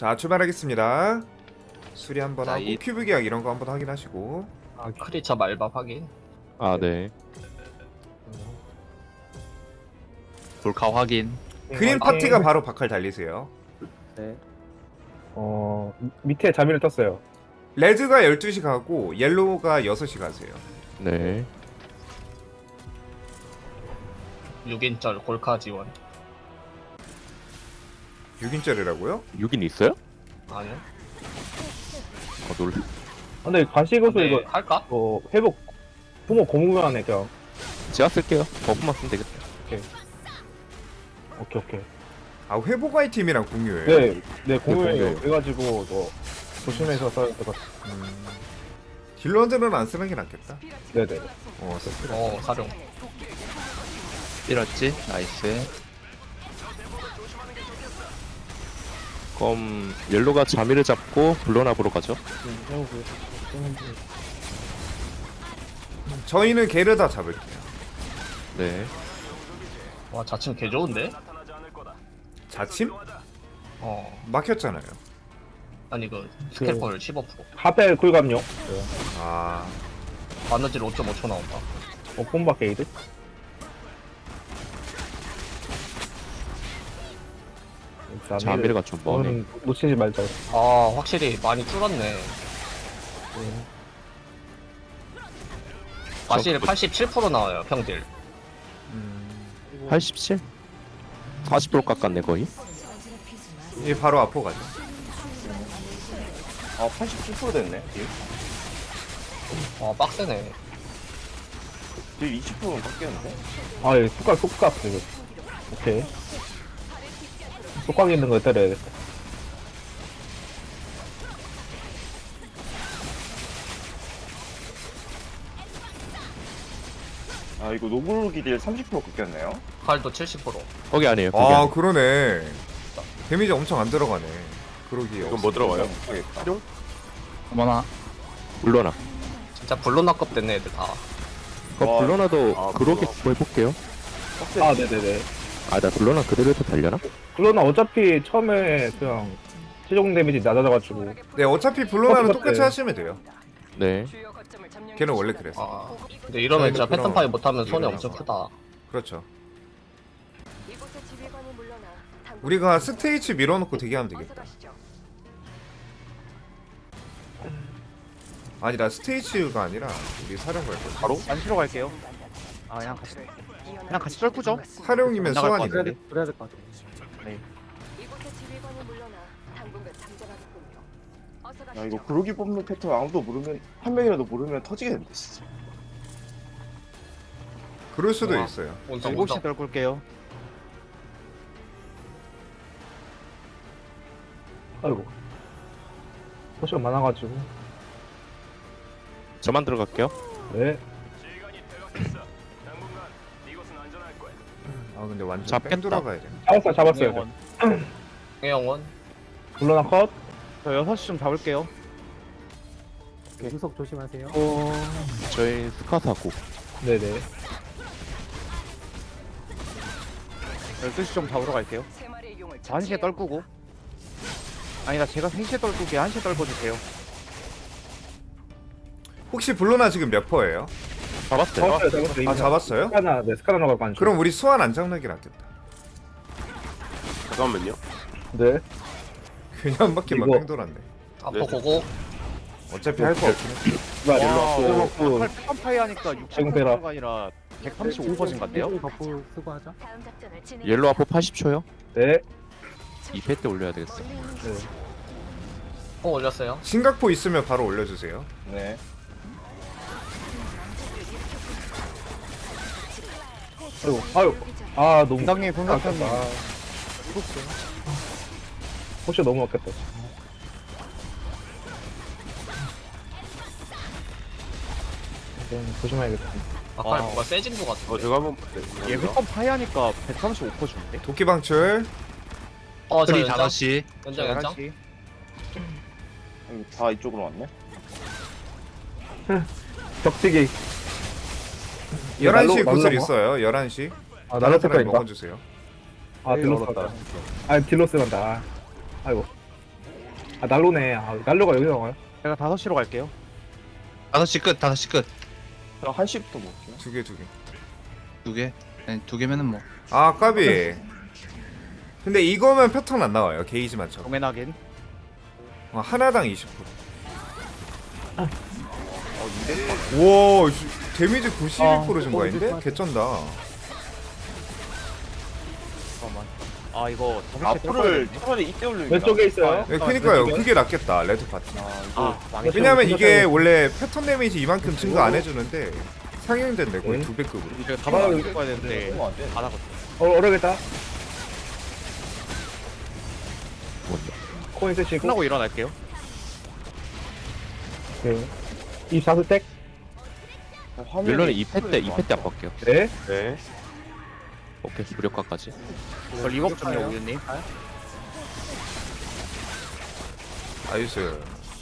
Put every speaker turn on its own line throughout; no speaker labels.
자, 출발하겠습니다. 수리 한번
자,
하고 큐브 계약 이런 거 한번 확인하시고.
아, 크리처 말밥 확인.
아, 네.
돌카 확인.
그린 파티가 바로 바칼 달리세요.
네. 밑에 자미를 떴어요.
레드가 12시 가고 옐로우가 6시 가세요.
네.
6인절 골카 지원.
6인짜리라고요?
6인 있어요?
아니요.
놀.
근데 가시고서
네,
이거
할까?
회복 부모 고무면에 그냥
제가 쓸게요. 버프만 쓰면 되겠다.
오케이.
아, 회복 아이템이랑 공유예요?
네 공유해요.
공유해요.
그래가지고 뭐 조심해서 써야 될 것 같아요.
딜러들은 안 쓰는 게 낫겠다.
네네.
쓰시라.
사룡. 때렸지? 나이스.
그럼 옐로가 자미를 잡고 블론압으로 가죠.
저희는 게르다 잡을게요.
네.
와, 자칭 개 좋은데?
자침?
어.
막혔잖아요.
아니, 스킬폴 15%.
하펠 쿨감용.
아,
바느질 5.5초 나온다.
폼바 게이드.
자미르가 좀 머네.
오늘은 놓치지 말자.
아, 확실히 많이 줄었네. 마실 87% 나와요, 평딜.
87? 40% 깎았네 거의.
이 바로 앞으로 가죠.
87% 됐네.
와, 빡세네.
딜 20%는 깎였는데?
예, 쏙각 이거. 오케이. 쏙각 있는 거 때려야겠다.
아, 이거 노블기 딜 30% 깎였네요.
칼도 70%.
거기 아니에요. 거기
아,
아니에요.
그러네. 데미지 엄청 안 들어가네. 그러기에.
이건 뭐 들어가요? 모르겠다.
어머나.
블론압.
진짜 블론학급 됐네, 애들 다.
그럼
와.
블론압도
아,
그렇게
블론.
해볼게요.
네네네.
아, 나 블론압 그대로 해도 달려나?
물론 어차피 처음에 그냥 최종 데미지 낮아져가지고
네, 어차피 블론하는
똑같아.
똑같이 하시면 돼요.
네.
걔는 원래 그랬어.
아. 근데 이러면 진짜
저희도
패턴 파이 못하면 손해
이러면
엄청 크다.
그렇죠. 우리가 스테이지 밀어놓고 대기하면 되겠다. 아니다, 스테이지가 아니라 우리 사령 갈 거지.
바로?
안시러 갈게요. 그냥 같이 썰꾸죠?
사령이면
나갈 것
소환이네.
그래야 될 것 같아요.
야, 이거 구르기 뽑는 패턴 아무도 모르면, 한 명이라도 모르면 터지겠는데, 진짜.
그럴 수도
와.
있어요.
온성
7시
온성.
떨굴게요.
아이고 포션 많아가지고.
저만 들어갈게요.
네.
아, 근데 완전
잡겠다.
뺑 돌아가야 돼.
잡았어요.
영원.
물론 컷.
저 6시 좀 잡을게요.
후속 조심하세요.
저희 스카사고.
네네.
12시 좀 잡으러 갈게요. 저 1시에 떨구고. 아니다, 제가 3시에 떨구게 1시에 떨궈주세요.
혹시 블로나 지금 몇 퍼예요?
잡았어요.
잡았어요.
아, 잡았어요?
스카나 갖고 안
그럼 우리 소환 안 잡는 게 낫겠다.
잠깐만요.
네.
그냥 한 바퀴만
이거-
뺑 돌았네.
앞으로 고고.
어차피 할 거 없긴 해.
와,
와,
그
패턴 파이 하니까
지금 빼라.
60%가 아니라 135% 같네요.
옐로 아포 80초요?
네.
2패 때 올려야 되겠어.
올렸어요.
심각포 있으면 바로 올려주세요.
네.
아유. 아, 너무
당장님 분석하님.
포션 너무 아꼈다. 조심해야겠다.
아까
아.
뭔가 세진 것 같은데.
제가 한번
얘 패턴 파이 하니까 135% 주는데?
도끼 방출.
저
프리
연장.
5시
연장 연장.
11시.
다 이쪽으로 왔네.
격치기.
11시
날로-
구슬
날로
있어요. 11시.
아,
다른
나를
사람이
색깔인가?
먹어주세요.
딜로스 간다. 딜로스 간다. 아이고. 아 난로네. 아 난로가 여기 나와요?
제가 5시로 갈게요.
5시 끝, 5시 끝.
저 1시부터 먹을게요.
두 개, 두 개.
2개? 아니, 2개면은 뭐.
아, 까비. 근데 이거면 패턴 안 나와요. 게이지만처럼.
도맨 확인.
하나당 20%.
어, 200번.
우와, 데미지 92% 증가인데? 개쩐다.
잠깐만. 아 이거
앞으로를 차라리 이때 올리는
왼쪽에 있어요.
네, 그니까요. 그게 낫겠다. 레드 파티.
아, 이거
망했어.
왜냐면 이게 원래 패턴 데미지 이만큼 증가 안 해주는데 상향된대 거의
네.
200급으로.
이거 가방 입고 가야 되는데
너무 안 돼.
안 하거든.
어려겠다.
뭔데?
코인 쓰시고.
끝나고 일어날게요.
네. 24스택.
화면이
멜론은 2패 때 2패 때 압박게요.
네.
네.
오케이 무력화까지.
저 리버프 좀요 우유님.
나이스.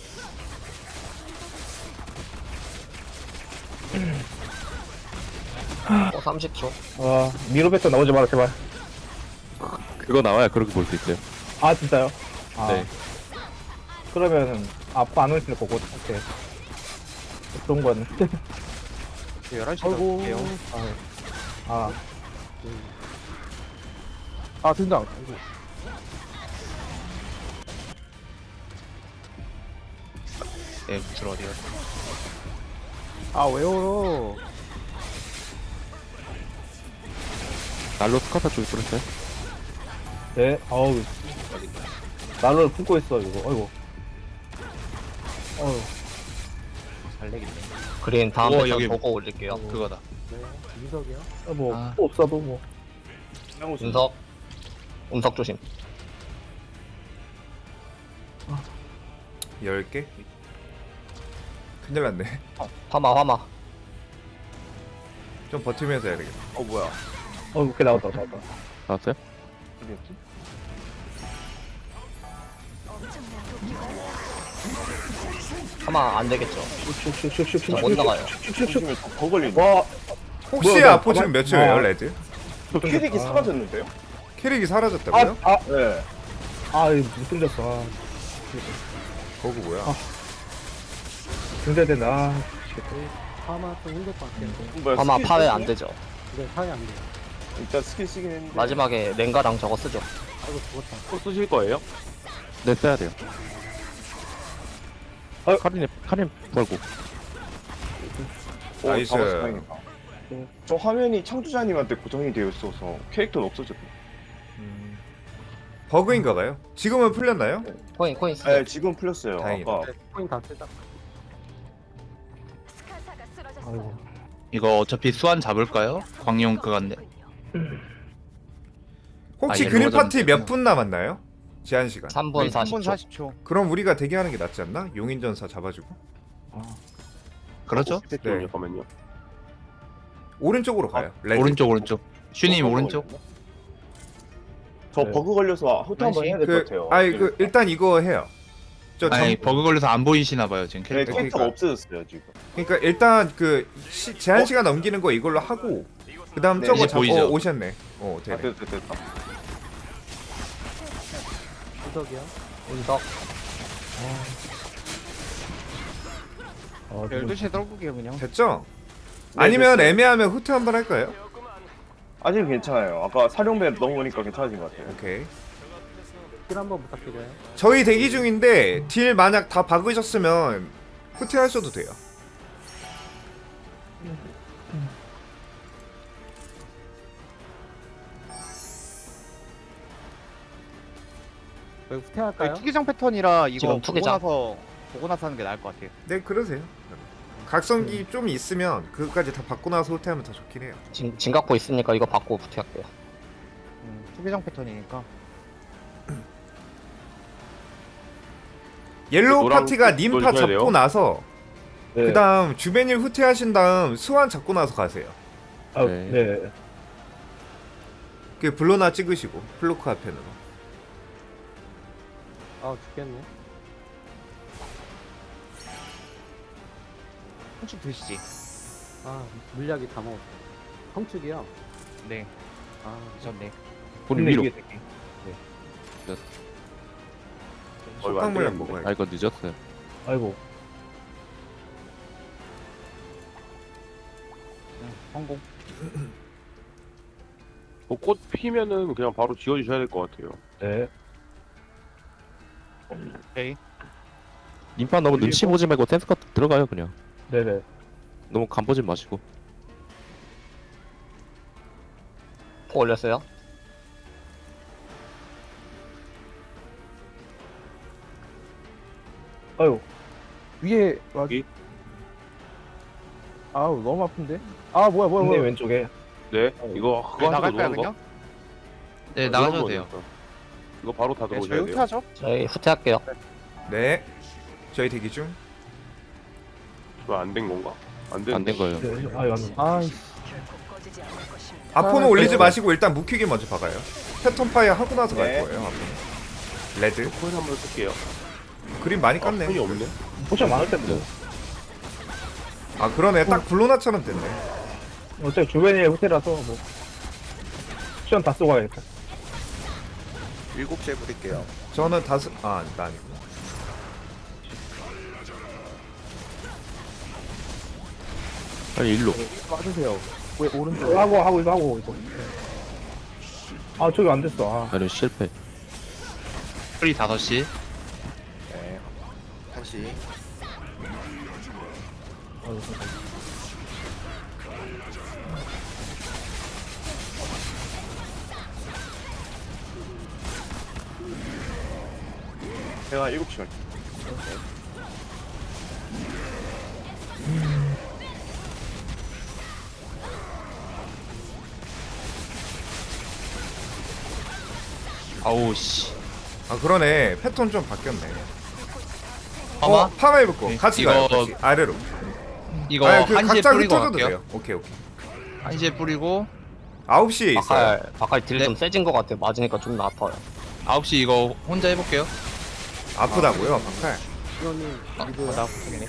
어 30초.
아 미로 배터 나오지 마라 제발.
그거 나와야 그렇게 볼 수 있어요.
아 진짜요? 아.
네.
그러면은 앞으로 안 오시는 거고. 오케이. 그런 거는.
11시
아이고.
갈게요.
아. 아 등장.
네, 들어 어디가.
아왜 울어?
날로 스카타 쪽에 뿌렸어요?
네. 아우. 난로를 품고 있어 이거. 아이고. 어휴.
잘 내겠네.
그린 다음
우와,
패턴
여기
보고 올릴게요.
그거다.
뭐
아.
또 없어도 뭐.
운석 조심.
10개? 큰일 났네.
화마.
좀 버티면서 해야 되겠다.
어, 뭐야.
오케이 나왔다.
나왔어요?
어디였지?
화마 안 되겠죠.
슉슉슉슉슉.
못 나가요.
조심해, 더 걸리네.
와.
혹시
뭐야,
아포 지금 몇 초예요,
아.
레드?
저 캐릭이 사라졌는데요?
캐릭이 사라졌다고요?
네.
이거 못 던졌어. 아,
거구 뭐야?
등져야 된다. 아,
뭐야,
화마
스킬
파괴
쓰시네?
안 되죠.
일단 스킬 쓰긴 했는데.
마지막에 랭가랑 저거 쓰죠.
또 쓰실 거예요? 네 써야 돼요. 카린 벌고.
오,
나이스.
잡아서 다행이다. 저 화면이 창조자님한테 고정이 되어 있어서 캐릭터는 없어졌네.
버그인가 봐요? 지금은 풀렸나요?
코인 쓰죠.
네, 지금 풀렸어요.
다행이다.
아까
아이고.
이거 어차피 수완 잡을까요? 광용 그건데.
혹시
아,
그린
옐로우가
파티
좀
몇 분 남았나요? 제한 시간.
3분
3분
40초.
40초.
그럼 우리가 대기하는 게 낫지 않나? 용인전사 잡아주고.
그렇죠?
네. 오른쪽으로 가요. 레드.
오른쪽. 슈님 오른쪽.
저
네.
버그 걸려서 호트 한번 해야 될 것 같아요.
일단 이거 해요.
아니, 버그 걸려서 안 보이시나 봐요, 지금
네,
캐릭터.
캐릭터가
그러니까.
없어졌어요, 지금.
그러니까 일단 제한 시간 넘기는 거 이걸로 하고 그다음
네,
저거
이제
잡고
보이죠?
오셨네.
아,
되네.
됐다.
운석.
12시에 떨구게요 그냥.
됐죠?
네,
아니면
됐어요.
애매하면 후퇴 한번 할까요?
아직 괜찮아요. 아까 사령배 넘어오니까 괜찮아진 것 같아요.
오케이. 딜 한번 부탁드려요. 저희 대기 중인데 딜 만약 다 박으셨으면 후퇴하셔도 돼요.
후퇴할까요? 투기장 패턴이라 이거
지금
보고
투기장.
보고 나서 하는 게 나을 것 같아요.
네, 그러세요. 각성기 좀 있으면 그것까지 다 받고 나서 후퇴하면 더 좋긴 해요.
진각포 있으니까 이거 받고 부탁할게요.
투기장 패턴이니까.
옐로우
노랑
파티가 님 다
넣어줘야 돼요?
잡고 나서
네.
그다음 주변일 후퇴하신 다음 수완 잡고 나서 가세요.
아,
네.
네.
그 블로나 찍으시고 플로크 앞편으로.
한축 드시지.
물약이 다 먹었어. 성축이요?
네.
아,
미쳤네.
본인 위로.
이게 새끼.
속박 물약 먹어야 돼.
이거 늦었어요.
아이고.
성공.
꽃 피면은 그냥 바로 지워주셔야 될 것 같아요.
네.
오케이.
인파 너무 눈치 보지 말고 센스컷 들어가요 그냥.
네네.
너무 간 보지 마시고.
포 올렸어요.
아유.
위에 와.
여기?
아우 너무 아픈데. 아 뭐야
근데 왼쪽에.
네, 이거 그거 하는 거
나갈까요
노는 거?
그냥?
네 나가셔도 돼요.
이거 바로 다
네, 저희
들어오셔야 돼요.
후퇴하죠.
저희 후퇴할게요.
네. 저희 대기 중.
이거 안 된 건가? 안 된.
안 된 거예요.
네. 아유 안 돼.
아
아포는
아,
올리지
네.
마시고 일단 묵히기 먼저 박아요. 패턴 파이어 하고 나서 갈
네.
거예요. 아포는. 레드.
코인 한번 쓸게요.
그림 많이
아,
깠네.
코인이 없네.
포션 많을 텐데.
아 그러네. 딱 블로나처럼 됐네.
어차피 주변에 호텔이라서 뭐. 포션 다 쓰고 가야겠다.
7시에 부릴게요.
저는 다섯. 아, 나 아니구나.
빨리 일로.
맞으세요. 왜 오른쪽?
하고 이거. 아 저기 안 됐어. 아.
아니 실패.
프리 5시.
네. 1시. 제가 7시 갈게요.
아우 씨.
아 그러네. 패턴 좀 바뀌었네.
파마?
파마 입을 거. 같이
이거-
가요. 같이. 아래로.
이거
아니, 그
1시에
각자
뿌리고
흩어져도
갈게요.
돼요. 오케이.
1시에 뿌리고
9시에 있어요.
바칼 딜 좀 세진 것 같아요. 맞으니까 좀 아파요.
9시 이거 혼자 해볼게요.
아프다고요, 박칼.
이거는 리브
나 고생이네.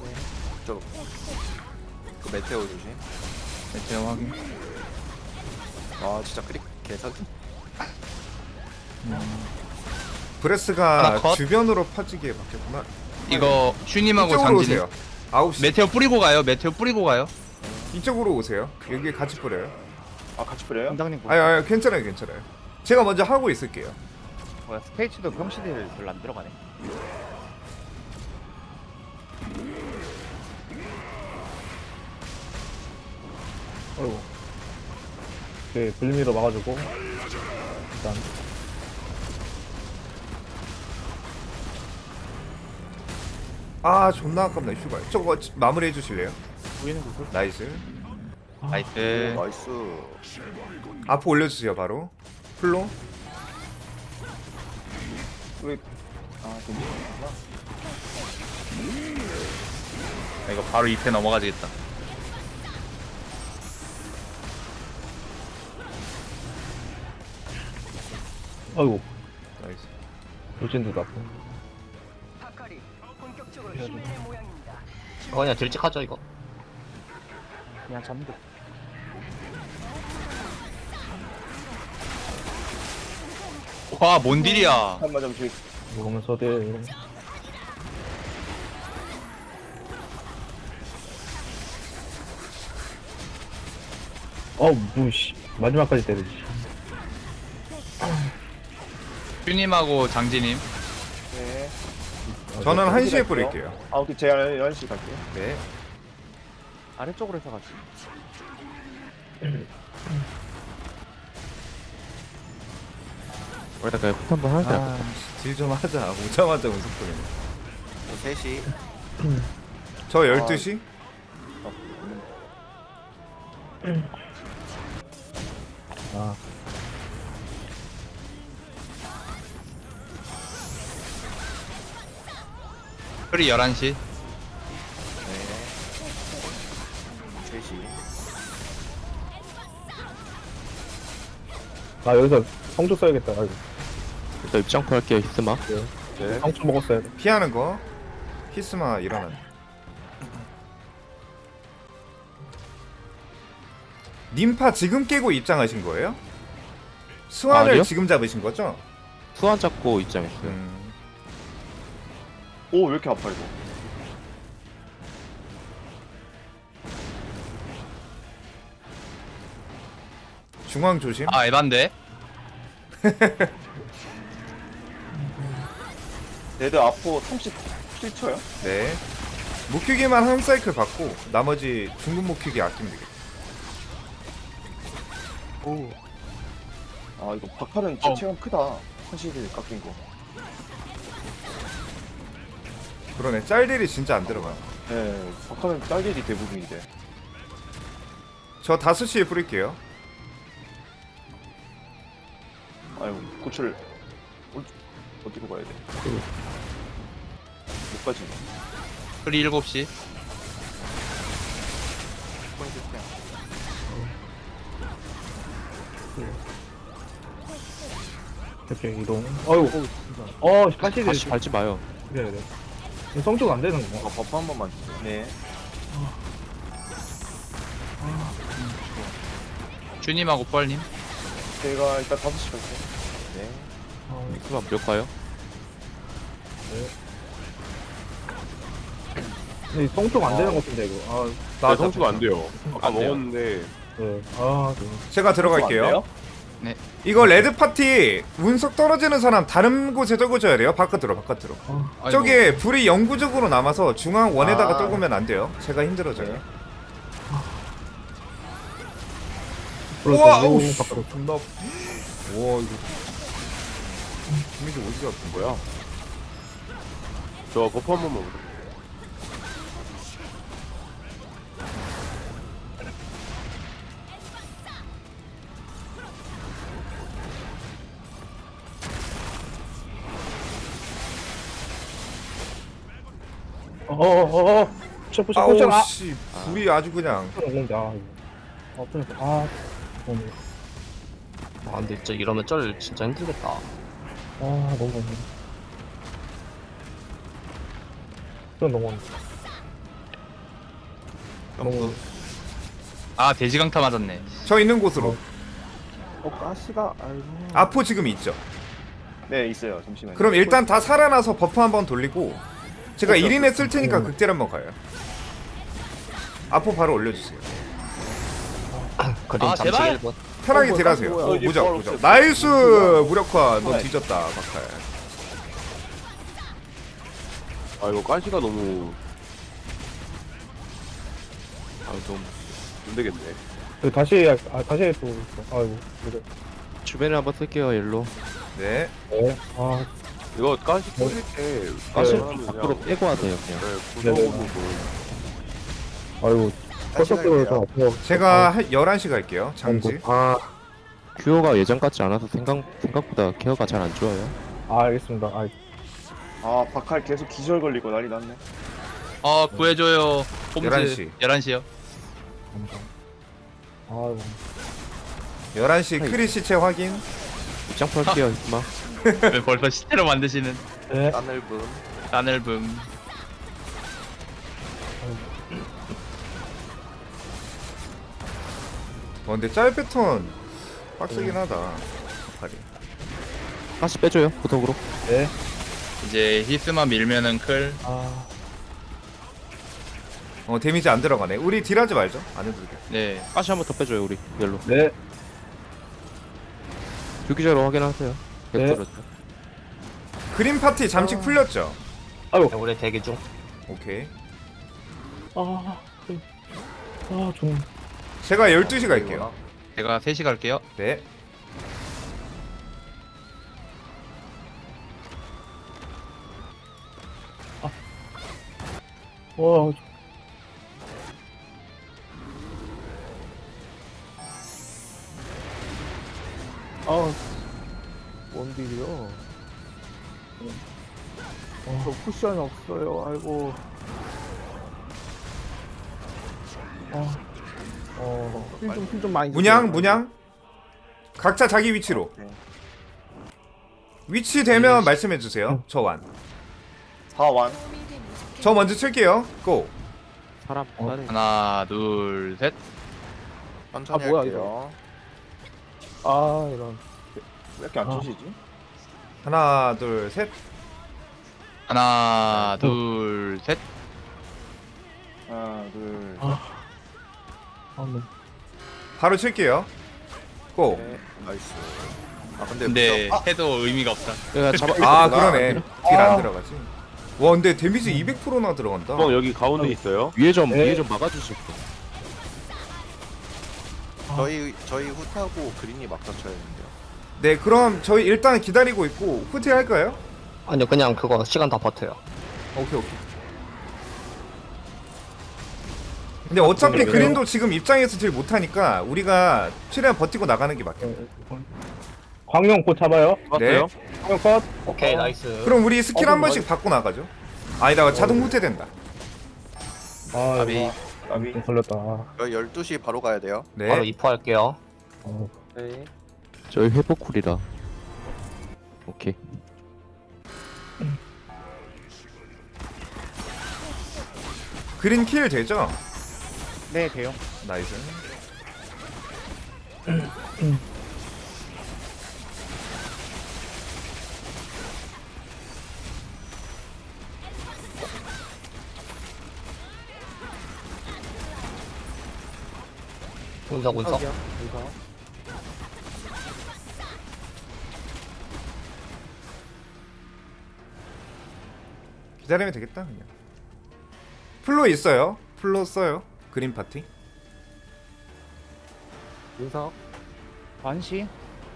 그 메테오 조심.
메테오 확인.
아 진짜 크릭 개사기.
브레스가
하나 컷.
주변으로 퍼지게 바뀌었구나.
이거 슈님하고
이쪽으로
장진님.
오세요. 9시.
메테오 뿌리고 가요. 메테오 뿌리고 가요.
이쪽으로 오세요. 여기 같이 뿌려요.
아 같이 뿌려요?
원장님
아니, 괜찮아요, 괜찮아요. 제가 먼저 하고 있을게요.
뭐야 스페이츠도 평시딜 별로 안 들어가네.
아이고. 그 불미로 막아주고. 일단.
아, 존나 아깝네, 슈발. 저거 마무리해 주실래요?
보이는 구슬.
나이스.
나이스.
나이스.
앞으로 올려주세요, 바로. 플로.
왜? 아 괜찮구나.
이거 바로 2패 넘어가지겠다.
아이고.
나이스.
돌진도 나쁘.
이거 그냥 딜찍하죠 이거.
그냥 잡는 거.
와, 뭔 딜이야.
한번 좀 주의.
이러면서 돼. 무씨. 마지막까지 때리지.
슈님하고 장진님.
네.
저는
네,
1시에
갈게요.
뿌릴게요.
아 오케이 제가 11시 갈게요.
네.
아래쪽으로 해서 가지.
거기다가 포트 한번 하자.
아,
딜 좀 하자. 오자마자 운석 뿌리네.
3시.
저 12시?
아.
프리 11시.
네. 3시.
나 여기서 성주 써야겠다. 아이고.
일단 입장표 할게요 히스마.
네.
성주 먹었어야 돼.
피하는 거. 히스마 일어나. 님파 지금 깨고 입장하신 거예요? 스완을
아니요.
지금 잡으신 거죠?
수완 잡고 입장했어요.
오 왜 이렇게 아파 이거.
중앙 조심.
아 에반데.
레드 아포 37초요?
네. 목큐기만 한 사이클 받고 나머지 중급 목큐기 아끼면 되겠다.
아 이거 박하는 진짜 체감 크다. 현실이 깎인 거.
그러네. 짤딜이 진짜 안 들어가.
네, 박하는 딸기이 대부분인데.
저 5시에 뿌릴게요.
아이고 고철 어디로 가야 돼? 못 가지.
프리 7시.
이렇게 이동. 아이고. 가시들.
다시 밟지 마요.
그래. 성적 안 되는 거.
버프 한 번만 주세요. 네.
주님하고 뻘님.
제가 일단 5시 갈게요. 네.
그럼 몇 가요?
근데 성적 안 되는 것 같은데 이거.
나 성수가 안 돼요. 아까
안 돼요.
먹었는데
네.
제가 들어갈게요. 이거 레드 파티 운석 떨어지는 사람 다른 곳에 적어줘야 돼요. 바깥으로.
아이고.
저게 불이 영구적으로 남아서 중앙 원에다가
아.
떨구면 안 돼요. 제가 힘들어져요.
네.
우와,
오,
오우,
바깥으로.
존나. 와 이거. 이미지 어디가 아픈 거야?
저 버프 한 번만 먹을게요.
셔프.
아우
아,
씨, 불이 아주 그냥.
너무.
아 근데 진짜 이러면 쩔 진짜 힘들겠다.
너무. 그건 너무.
아 돼지 강타 맞았네.
저 있는 곳으로.
가시가 아이고.
아포 지금 있죠.
네 있어요. 잠시만요.
그럼 일단 다 살아나서 버프 한번 돌리고 제가
그렇죠.
1인에 쓸 테니까 극딜 한번 가요. 아포 바로 올려주세요.
그림
아,
잠시
제발!
1분.
편하게
뭐야,
딜하세요.
뭐야.
무적
바로
무적.
없어요.
나이스 무력화. 너
네.
뒤졌다 박할.
아 이거 가시가 너무 너무 안 되겠네.
다시 또. 아이고.
주변에 한번 쓸게요. 옐로.
네.
네.
이거 가시 터질 때 가시 하면
앞으로
그냥
빼고 하세요. 그냥.
구성으로
아이고. 컷석으로 다 아파.
제가 11시 갈게요. 장지.
큐어가 예전 같지 않아서 생각보다 케어가 잘 안 좋아요.
알겠습니다.
아 박할 계속 기절 걸리고 난리 났네.
구해줘요. 홈즈.
11시.
11시요.
아이고.
11시 크리 시체 확인.
입장 펼게요. 이마.
왜 벌써 시체로 만드시는
네.
따늘붐.
근데 짤 패턴 빡세긴 하다. 박할이.
다시 빼줘요. 보석으로.
네.
이제 히스만 밀면은 클.
데미지 안 들어가네. 우리 딜하지 말죠. 안 해도 돼.
네.
다시 한번 더 빼줘요. 우리 옐로.
네.
주기자로 확인하세요.
네.
떨어져.
그린 파티 잠시 풀렸죠.
우리 대기 중.
오케이.
좀.
제가 12시 갈게요.
제가 3시 갈게요.
네.
와.
원딜이요. 저 쿠션이 없어요. 아이고. 힐좀 많이.
문양. 각자 자기 위치로.
네.
위치 되면 말씀해 주세요. 저 완.
4완.
저 먼저 칠게요. 고.
사람 빠르게.
하나, 둘, 셋.
뭐야 이거. 이런. 왜 이렇게 안 쳐지지?
하나, 둘, 셋.
하나, 둘, 셋.
하나 둘.
바로 칠게요. 고.
나이스.
근데 해도 의미가 없다.
내가 잡아.
아 그러네. 딜 안 들어가지. 와 근데 데미지 200%나 들어간다.
형 여기 가운데 있어요.
위에 좀
네.
위에 좀 막아주실 분.
저희 후타고 그린이 막 닫혀야 되는데요.
네 그럼 저희 일단 기다리고 있고 후퇴 할까요?
아니요 그냥 그거 시간 다 버텨요.
오케이. 근데 어차피 그린도 지금 입장에서 딜 못하니까 우리가 최대한 버티고 나가는 게 맞겠다.
광룡 곧 잡아요.
네.
광룡 컷.
오케이 나이스.
그럼 우리 스킬 한 번씩 받고 나가죠. 아니다 자동 후퇴된다.
아
아비.
이거
아비.
좀 걸렸다.
저희 12시 바로 가야 돼요.
바로
네.
입포할게요.
네.
저희 회복 쿨이라. 오케이.
그린 킬 되죠?
네 돼요.
나이스.
운석.
운석.
기다리면 되겠다 그냥. 플로 있어요. 플로 써요. 그린 파티.
운석.
반시.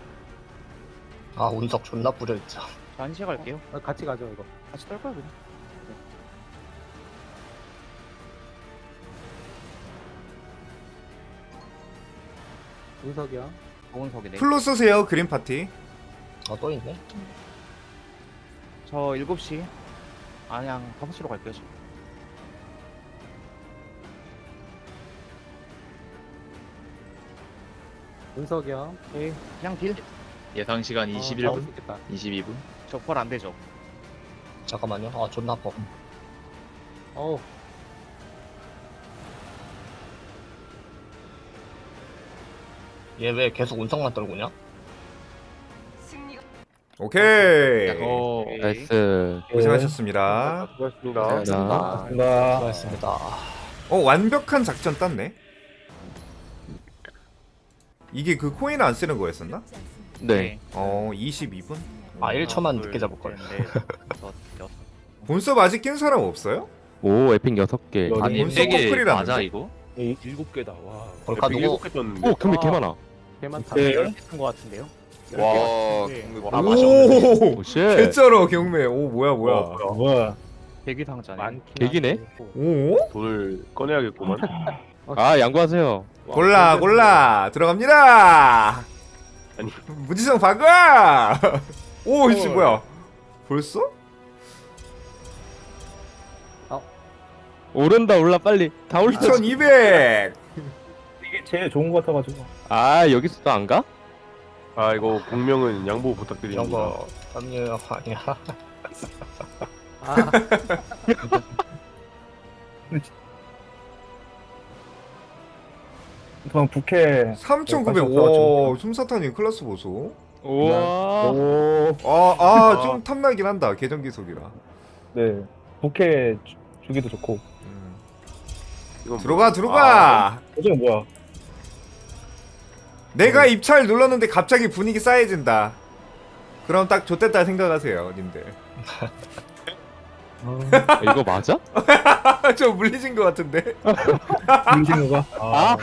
아 운석 존나 뿌려있자.
반시 갈게요.
같이 가죠 이거.
같이 떨까요 그냥.
운석이요.
오은석이네.
플로 쓰세요. 그린 파티.
또 있네.
저 7시. 그냥 5시로 갈게요. 저.
운석이요.
오케이. 그냥 딜.
예상 시간
잡을
21분,
수 있겠다.
22분.
적발 안 되죠.
잠깐만요. 아 존나 아파.
어우.
얘 왜 계속 운석만 떨구냐?
오케이.
오,
나이스.
고생하셨습니다.
수고하셨습니다.
나.
나
수고하셨습니다.
완벽한 작전 땄네. 이게 그 코인 안 쓰는 거였었나?
네.
22분?
아 1초만 늦게 잡을걸.
본섭 아직 낀 사람 없어요?
오 에픽 6개.
아니, 본섭
4개
커플이라는데?
맞아 이거?
7개다. 와.
볼까 누구?
7개 떴는데.
오 근데 개 많아.
개 많다.
네.
한거 같은데요.
와,
네.
경매
아,
뭐
오!
오 쉣.
개쩔어 경매. 오 뭐야.
뭐야?
대기 상자네.
개기네.
오?
돈을 꺼내야겠구만.
아 양보하세요.
골라 들어갑니다.
아니.
무지성 박아. 오 이씨 뭐야? 벌써?
오른다 올라 빨리. 다 올라.
2200.
이게 제일 좋은 거 같아가지고.
아 여기서 또 안 가?
아 이거 공명은 양보
이런
부탁드립니다.
거 압류 아니야.
아.
그럼 부캐
3900. 와 솜사탄님 클래스 보소.
우와.
오,
좀 탐나긴 한다. 계정 기속이라.
네 부캐 주기도 좋고.
이건
들어가.
요즘 뭐야?
내가 입찰 눌렀는데 갑자기 분위기 싸해진다. 그럼 딱 좋댔다 생각하세요, 님들.
이거 맞아?
좀 물리신 것 같은데.
민신우가. 아,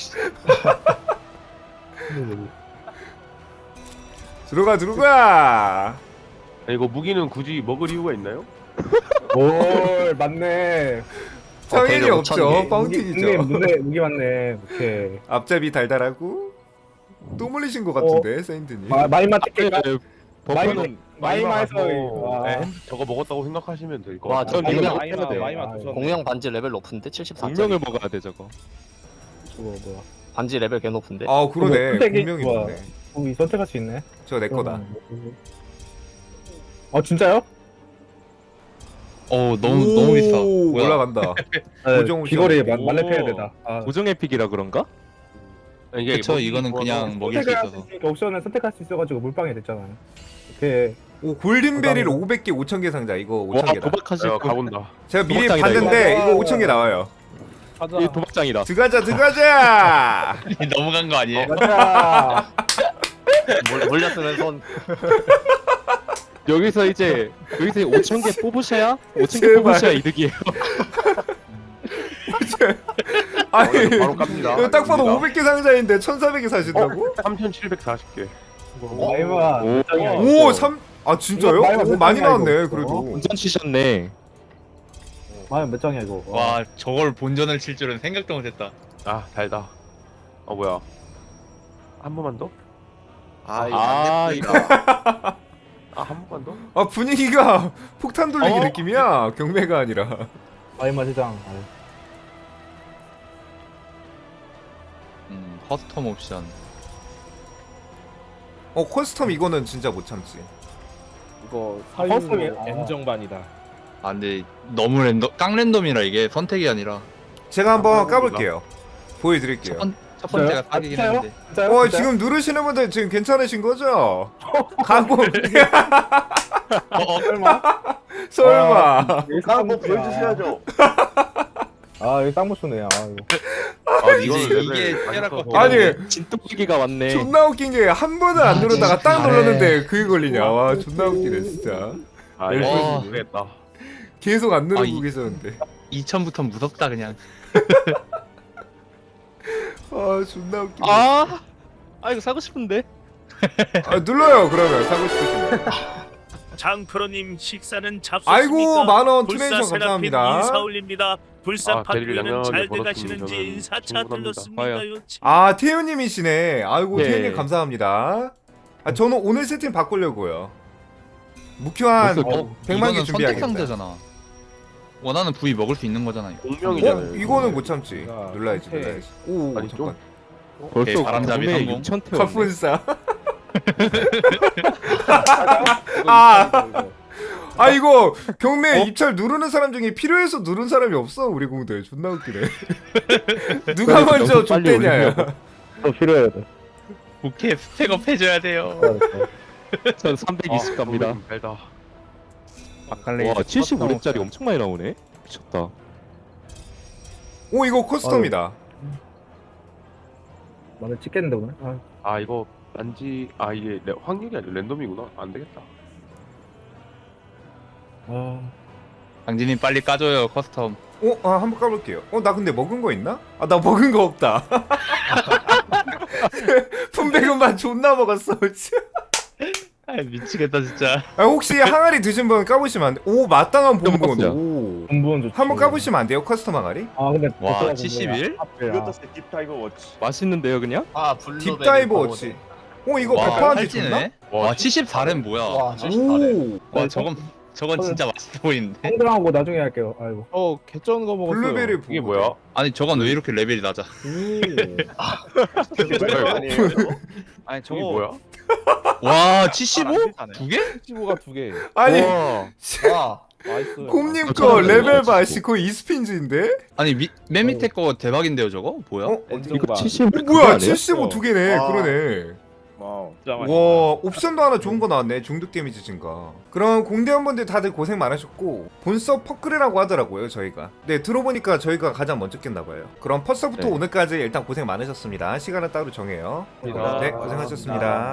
들어가.
아니, 이거 무기는 굳이 먹을 이유가 있나요?
오, 맞네.
성인이
되게
없죠.
5,000개.
파운틴이죠.
무기 맞네. 오케이.
앞잡이 달달하고 또 물리신 것 같은데, 세인트님.
마이마 티켓.
버퍼는
마이마에서
네, 저거 먹었다고 생각하시면 될 것
와,
같아요.
저 공룡
해야 돼.
공룡 반지 레벨 높은데 74.
분명을 먹어야 돼 저거.
뭐야?
반지 레벨 개 높은데.
아 그러네.
선택이
분명히
좋아.
있네.
이 선택할 수 있네.
저 내 거다.
진짜요?
너무 비싸. 뭐야?
올라간다. 고정
귀걸이
옵션.
만렙해야
오.
되다.
고정 에픽이라 그런가?
이게
그쵸,
먹기
이거는
좋아서
그냥 먹일 수
선택할
있어서.
있으니까 옵션을 선택할 수 있어가지고 물방이 됐잖아요. 이렇게
오 골든베리를 500개 5000개 상자 이거
와
5000개다.
도박하실
야
거.
가본다.
제가 미리
도박장이다,
봤는데
이거.
이거 5000개 나와요.
가자.
이 도박장이다.
들어가자.
넘어간 거 아니에요?
가자.
몰렸으면 손.
여기서 5,000개 뽑으셔야 5,000개
제발.
뽑으셔야 이득이에요.
아니
바로 깝니다.
이거 딱 봐도 500개 상자인데 1400개 사신다고?
3,740개.
마이만
오.
몇 장이야?
오 3. 아 진짜요?
이거
오, 많이
이거.
나왔네 그래도.
운전 치셨네.
마이만 몇 장이야 이거?
와 저걸 본전을 칠 줄은 생각도 못했다.
아 달다. 뭐야? 한 번만 더?
아 이거
아,
안 예쁘다.
한 번만 더?
아 분위기가 폭탄 돌리기
어?
느낌이야. 경매가 아니라.
마이만 3장.
커스텀 옵션.
커스텀 이거는 진짜 못 참지.
이거
커스텀이
N정반이다.
아 근데 너무 깡랜덤이라 이게 선택이 아니라
제가 한번 까볼게요. 보여드릴게요.
첫 번째가 사기긴
진짜요?
했는데.
진짜요?
지금 누르시는 분들 지금 괜찮으신 거죠? 가고
설마?
설마.
한번 보여주셔야죠.
아 이거 딱 못쓰네. 아 이거.
이게 피해랄 것 같긴
아니
한데.
진또기가 왔네.
존나 웃긴 게 한 번을 안 누르다가 딱 눌렀는데 그게 걸리냐. 와 존나 웃기네 진짜.
아
와.
이거 모르겠다.
계속 안 누르고
이-
계셨는데.
2000부터 무섭다 그냥.
아 존나 웃기네.
아 이거 사고 싶은데.
눌러요 그러면 사고 싶으시면.
장프로님 식사는 잡수십니까?
아이고 만원
불사
투네이션
세라핌
감사합니다.
인사 올립니다. 불사
아, 대리를
파트에는
양양하게
잘돼
벌었으면
가시는지
저는
인사차
충분합니다.
들렀습니다요.
아 태우님이시네. 아이고
예.
태우님 감사합니다. 아 저는 오늘 세팅 바꾸려고요. 무큐한
벌써
100만 개
이거는 선택
준비하겠다.
상자잖아. 원하는 부위 먹을 수 있는 거잖아요.
공명이잖아요.
이거는 못 참지.
야,
눌러야지
오케이.
눌러야지. 오
아니,
잠깐.
벌써
바람잡이
구매
성공.
6,000태 왔네.
갑분싸. 아 이거 경매 입찰 누르는 사람 중에 필요해서 누른 사람이 없어 우리 공들. 존나 웃기네. 누가 먼저
너무 빨리
줬대냐야.
더 필요해야 돼.
오케이 스펙업 해줘야 돼요.
전 320 갑니다.
달다.
와 75렙짜리 엄청 많이 나오네. 미쳤다.
오 이거 커스텀이다.
나는 찍겠는데 오늘. 아,
아 이거 딴지 이게 확률이 아니라 랜덤이구나. 안 되겠다.
아.
강진님 빨리 까줘요 커스텀.
한번 까볼게요. 나 근데 먹은 거 있나? 나 먹은 거 없다. 품백은만 존나 먹었어.
아 미치겠다 진짜.
혹시 항아리 드신 분 까보시면 안 돼? 오 마땅한 본분.
먹었어요.
오.
본부는 좋지.
한번 까보시면 안 돼요? 커스텀 항아리?
아 근데
와,
보스가
71?
본부야.
이거 떴을 때 딥타이거 워치.
맛있는데요 그냥?
아 블루베리.
딥다이버 워치. 이거
와
100%한테 줬나?
살찌네. 와 74렘 뭐야?
와 74래.
와 저건 진짜 맛있어 보이는데.
형들하고 나중에 할게요. 아이고.
개쩐 거 먹었어요.
블루베리
이게 뭐야?
아니 저건 왜 이렇게 레벨이 낮아?
이거 아니에요?
아니
저게 뭐야?
와 75? 두 개?
75가 2개.
아니
와.
와.
나이스.
곰님 거
저는
레벨
이거
봐.
진짜.
거의 이스핀즈인데?
아니 맨 밑에 거 대박인데요 저거? 뭐야?
이거
N정반.
75
뭐야 75 두 개네.
아.
그러네.
와우.
와 옵션도 하나 좋은 거 나왔네. 중독 데미지 증가. 그럼 공대원분들 다들 고생 많으셨고 본서 퍼클이라고 하더라고요 저희가. 네 들어보니까 저희가 가장 먼저 깼나봐요. 그럼 퍼서부터
네.
오늘까지 일단 고생 많으셨습니다. 시간은 따로 정해요.
감사합니다.
네 고생하셨습니다.